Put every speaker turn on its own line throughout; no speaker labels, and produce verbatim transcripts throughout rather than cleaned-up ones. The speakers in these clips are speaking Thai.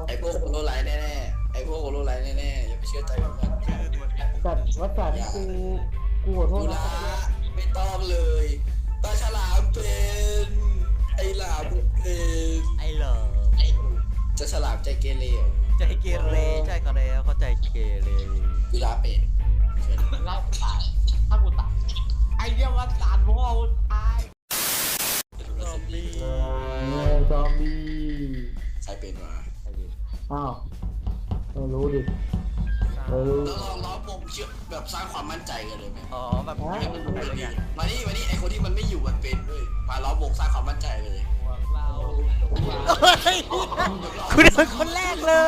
ไอ้พวกโคโรไลท์แน่ๆไอ้พวกโคโรไลท์แน่ๆอย่าไปเชื่อใจมัน
สัตว์วัดสันกูกูขอโทษ
กู
นะ
ละไม่ต้องเลยตาฉลามเป็นไอ้หลามเป็น
ไอ้เหรอ
จะฉลามใจเกเร
ใจเกเรใช่เขาแล้วเขาใจเกเร
กูลาเป็น
ไล่ตายถ้ากูตายไอ้เหี้ยว่าตานพ่อกูตาย
ซอมบี้
เออซอมบี้
ใครเป็นวะ
อ้าวไม่รู้ดิไม่รู้
แล้วลองล้อผมเชื่อแบบสร้างความมั่นใจกันเลยไหม
อ๋อแบบ
ให้มัน
อะไร
มา
เงี้ย
นี่มานี่ไอคนที่มันไม่อยู่มันเป็นด้วยมาล้อวงสร้างความมั่นใจเลย
พวกเรา
เฮ้ยคุณเป็นคนแรกเลย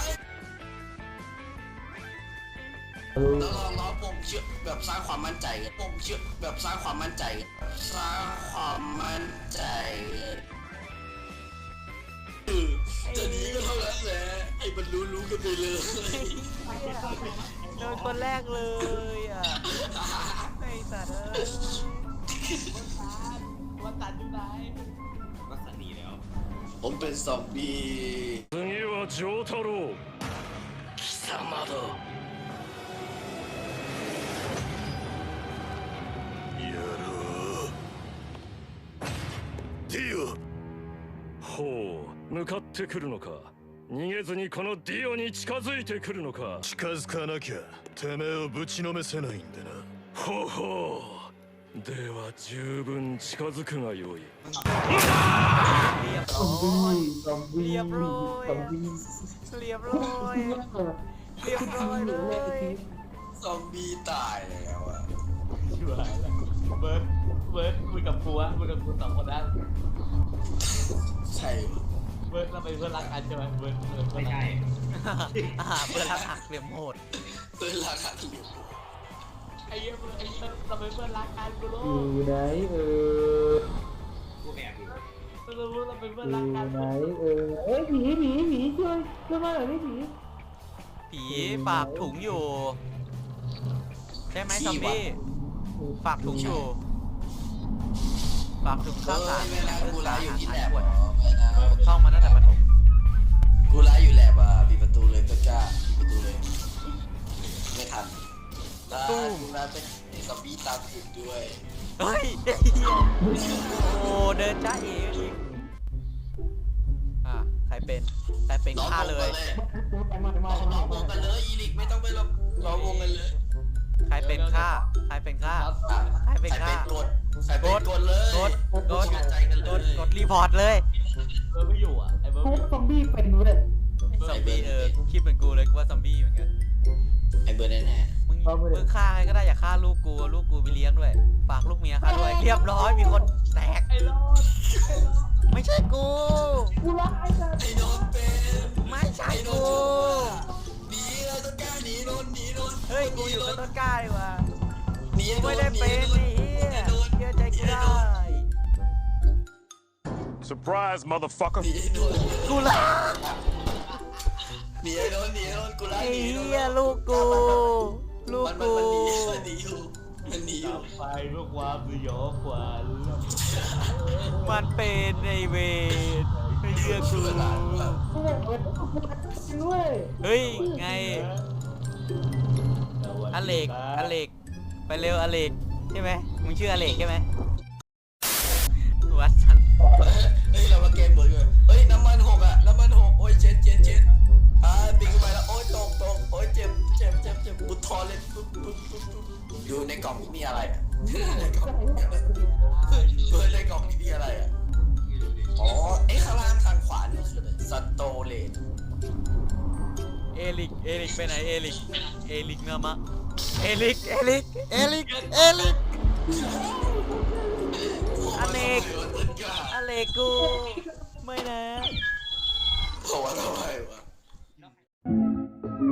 แล้วลองล้อผมเชื่อแบบสร้างความมั่นใจกันผมเชื่อแบบสร้างความมั่นใจกันสร้างความมั่นใจกันเออจะหนีก็เท่านั้นแหละไอ้มันรู้รู้กันไปเลย
โดนคนแรกเลยอ่ะไอ้สัตว์เอ้ย
ว่าตานอยู่ไหน
ผมเป็นซอมบี้
次は丈太郎
貴様だ
やろうディオほう向かってくるのか逃げずにこのディオに近づいてくるのか近づかなきゃてめえをぶちのめせないんでなほうほうでは十分近づくがよい
เรียบ
ซอ
ร้
ม
อย
บี้ซอมบี้
เรียบร้อย
ซอมบี้
เรียบร้อยเรียบร้อยเลย
ซอมบี้ตายแล้วอะ
ช่วยแล้วเบิร์ดเบิร์ดคุยกับกูอะคุยกับกูสองคนนะ
ใช่ปะ
เบิร์ดเราเป็นเพื่อนรักกันใช่ไหมเบิร์ดเบิร์ดไม่ใช่
อ่าเพื่อนรักหักเหลี่ยมโหด
เวลาขัดเหลี่ยม
ไอ้เหี้ยเบิร์ดไอ้เบิร์ดเราเป็นเพื่อนรักกันกูรู้
อยู่ไหนเออ
กูรู้เราเป็นเพื่อน
อ
รัก
ยู่
กัน
ไหนเออเอ้ยผีผีผีช่วยช่วยมาหน่อยดิผี
ผีฝากถุงอยู่ใช่ไหมซอมบี้ฝากถุงอยู่ฝากถุง
เอ
ข้าว
อ
สาร
เวลากูไลฟ์อยู่ที่แลบ
ขว
อะ
ด
เวลา
ท่องมาตั้งแต่ประถม
กูไลฟ์อยู่แลบอ่ะปิดประตูเลยต้นกล้าปิดประตูเลย ไม่ทันได้กูไลฟ์เป็นไอ้ซอมบี้ตามติดด้วย
เฮ้ยโอ้เดินจ้าเอ๋อีกอ่ะใครเป็นใครเป็น
ล้อม
ฆ่าว
ง
เล
กัน
ย
เลย
มามามา
ล้อม
มาว
งกันเลยอีลิกไม่ต้องไปล้อมล้อมวงกันเลย
ใครเป็นฆ่าใครเป็นฆ่า
อ่ะ
ใครเป็น
ใคร
ฆ่า
เป็นกดใครเป็นกดเลย
กดกด
เชื่อใจกันเล
กด
ย
กดรีพอร์ตเลย
เบิร์ดไม่อยู่อ่ะไอ้เบิร์ด
ทุ
ไม่อยู่
กซอมบี้เป็นเว้ย
ซอมบี้เออคิดเหมือนกูเลยกูว่าซอมบี้เหมือนกัน
ไอ้เบอร์แน่
มึงมึงฆ่าใครก็ได้อย่าฆ่าลูกกูลูกกูไปเลี้ยงด้วยฝากลูกเมียฆ่าด้วยเรียบร้อยมีคนแตก
ไอ้รอด
ไม่ใช่กู
กูรักไอ้สัตว์
ๆไอ้โดนเป็น
ไม่ใช่
ไอ้โด
กู
นจุกอะหนีเลยต้นกล้าหนีโดนหนีโดน
เฮ้ยกูอยู่กับต้นกล้าดีกว่า
หนี
กูไม่ได้เป็นไอ้เหี้ยเชื่อใจกูได้
Surprise motherfucker
หนีโดน
กูละ
หนีโดนหนีโดนกูไล่
ไอ้
หนีโดน
เหี้ยลูกกู ลูก
มันมัน
กู
มันหนีมันหนีอยู่มันหนีอยู่
ไปเพื่อความสยองขวัญ
มันเป็นไอเวนไม่เชื่อกู
กูบอกเปิดกูเป็นด้วย
เฮ้ยไงอเล็กอเล็กไปเร็วอเล็กใช่ไหมมึงชื่ออเล็กใช่ไหมวัดสัน
เฮ้ยเรามาเกมเบิร์ดเลยเฮ้ยน้ำมันหกอะน้ำมันหกโอ้ยเช็ดเช็ดเช็ดอ่าปีนขึ้นไปแล้วโอ้ยตกตกโอ้ยเจ็บเจ็บเจ็บเจ็บบุดทอนเลยปุ๊บปุ๊บปุ๊บปุ๊บอยู่ในกล่องนี้มีอะไรอะในกล่องนี้มีอะไรเฮ้ยเบิร์ดในกล่องนี้มีอะไรอะอ๋อไอ้ข้างล่างทางขวานี่คืออะไรสโตเลต
เอลิกเอลิกไปไหนเอลิกเอลิกเนามะเอลิกเอลิกเอลิกเอลิกอเล็กอเล็กกูไม่นะ
เพราะว่าทำไมวะ